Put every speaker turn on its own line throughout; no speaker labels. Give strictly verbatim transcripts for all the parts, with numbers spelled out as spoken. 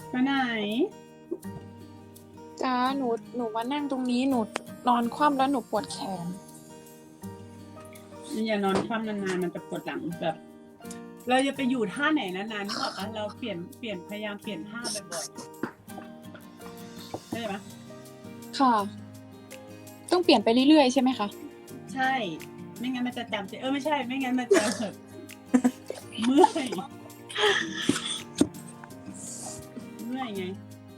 ไปไหน
จ้าหนูหนูมานั่งตรงนี้หนูนอนคว่ำแล้วหนูปวดแขน
อย่านอนคว่ำนานๆมันจะปวดหลังแบบ เราจะไปอยู่ท่าไหนนานๆนึกออกปะเราเปลี่ยนเปลี่ยนพยายามเปลี่ยนท่าบ่อยๆได้ไหม
ค่ะ ต้องเปลี่ยนไปเรื่อยๆใช่ไหมคะ
ใช่ไม่งั้นมันจะจำเจเออไม่ใช่ไม่งั้นมันจะแบบเมื่อยเมื่อยไง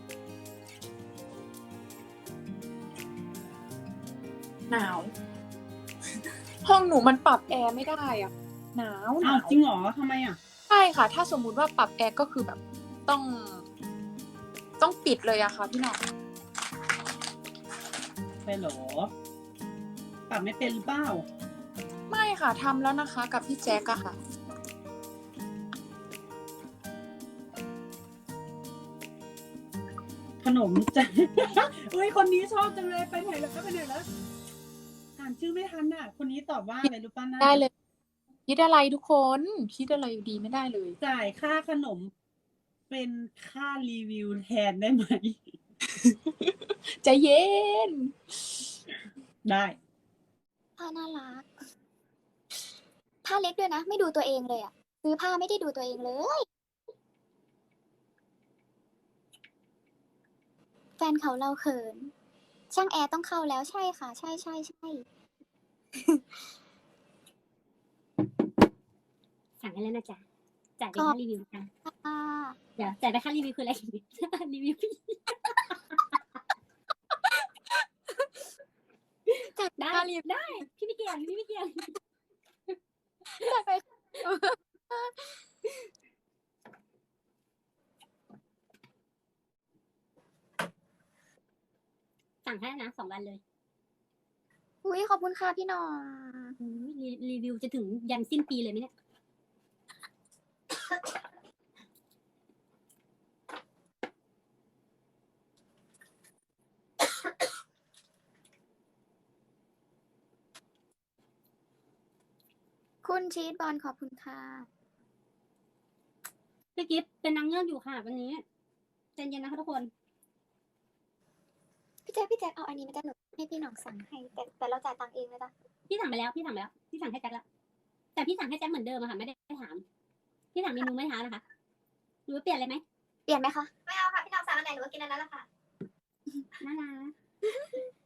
หนาว ห้องหนูมันปรับแอร์ไม่ได้อ่ะหนาวหาว
อ้าวนจริงเหรอทำไมอ่ะ
ใช่ค่ะ ถ้าสมมุติว่าปรับแอร์ก็คือแบบต้อง ต้องปิดเลยอะค่ะพี่หน้อง
ใช่เหรอปรับไม่เป็นหรือเปล่า
ไม่ค่ะทำแล้วนะคะกับพี่แจ๊กอะค่ะ
ขนมจ้ะ อุ้ยคนนี้ชอบจังเลยไปไหนแล้วไปไหนแล้วอ่านชื่อไม่ทันอ่ะ คนนี้ตอบว่าอะไรรู้ป่ะนะ
ได้เลย คิดอะไรทุกคน คิดอะไรอยู่ดีไม่ได้เลย
จ่ายค่าขนมเป็นค่ารีวิวแทนได้ไหม
ใจเย็น
ได้
ผ้าน่ารักผ้าเล็กด้วยนะ ไม่ดูตัวเองเลยอะซื้อผ้าไม่ได้ดูตัวเองเลย แฟนเขาเราเขิน ช่างแอร์ต้องเข้าแล้วใช่ค่ะ ใช่ใช่ใช่
สั่งให้แล้วนะจ๊ะจ่ายเป็นค่ารีวิวค่ะ
ค่ะ
เดี๋ยวจ่ายเป็นค่ารีวิวคืออะไร รีวิวพี่ได้
ค่ารีวิว
ได้ พี่ไม่เกี่ยงพี่ไม่เกี่ยง
จะไป
สั่งให้นะสองวันเลย
อุ้ยขอบคุณค่ะพี่หน้อง
อุ๊ยรีรีวิวจะถึงยันสิ้นปีเลยไหมเนี่ย
คุณชีสบอลขอบคุณค่ะ
พี่กิฟต์เป็นนางเงือกอยู่ค่ะวันนี้ใจเย็นนะคะทุกคน
พี่แจ๊คพี่แจ๊คเอาอันนี้มาจ้ะหนูให้พี่หน้องสั่งให้ แต่แต่เราจ่ายตังค์เองนะจ๊ะ
พี่สั่งไปแล้วพี่สั่งไปแล้วพี่สั่งให้แจ็คแล้วแต่พี่สั่งให้แจ็คเหมือนเดิมอะค่ะไม่ได้ถามพี่สั่งเมนูไม่ถามนะคะหรือว่าเปลี่ยนอะไรไหม
เปลี่ยนไหมคะ ไม่เอาค่ะพี่หน้องสั่งอันไหนหนูก็กินอันนั้นแหละค่ะ
น่ารัก